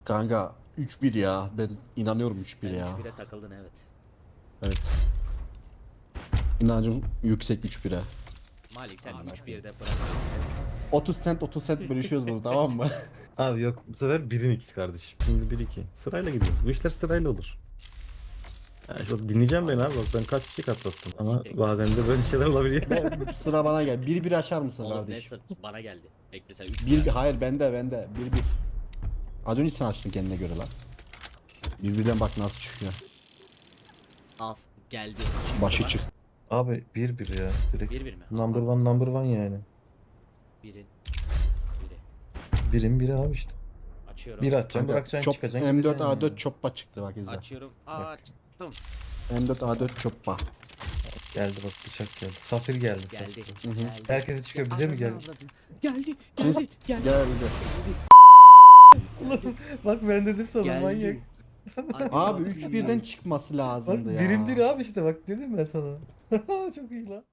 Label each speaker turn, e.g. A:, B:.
A: Kanka 3-1 ya. Ben inanıyorum 3-1
B: Yani
A: ya.
B: 3-1'e takıldın evet.
A: Evet. İnancım yüksek 3-1'e.
B: Malik sen
A: Aa,
B: 3-1'de bırak.
A: 30 cent bölüşüyoruz bunu, tamam mı?
C: Abi yok, bu sefer 1'in ikisi kardeşim. Şimdi 1-2. Sırayla gidiyoruz. Bu işler sırayla olur. Yani şu dinleyeceğim beni abi. Bak ben kaç kişi katlattım. Ama
B: Siktir.
C: bazen de böyle şeyler olabiliyor.
A: Sıra bana gel. 1-1 açar mısın
B: Oğlum ne
A: kardeşim?
B: bana geldi. Bekle sen 3
A: Bir, hayır bende 1-1. Az önce sen açtın kendine göre lan. Birbirden bak nasıl çıkıyor.
B: Al geldi.
A: Başı çık.
C: Abi 1-1 ya. Direkt
B: 1-1 mi?
C: number one number one yani.
B: 1'in 1'i.
C: 1'in biri abi işte.
B: Açıyorum.
C: Bir atacaksın,
A: Kanka
C: bırakacaksın,
A: çop,
C: çıkacaksın,
A: M4
C: gideceksin
A: A4
C: yani.
A: çoppa çıktı bak izle.
B: Açıyorum. Açtım.
A: M4 A4 çoppa.
C: Geldi bak, bıçak geldi. Safir geldi.
B: Geldi.
C: Safir.
A: Hı hı.
B: Geldi.
C: Herkese çıkıyor, bize mi geldi?
B: Geldi.
A: Sus.
B: Geldi. Geldi.
A: Geldi.
C: Oğlum bak ben dedim sana manyak.
B: Geldi.
A: Abi 3-1'den çıkması
C: Bak
A: lazımdı ya.
C: birim bir abi işte, bak dedim ben sana. Çok iyi lan.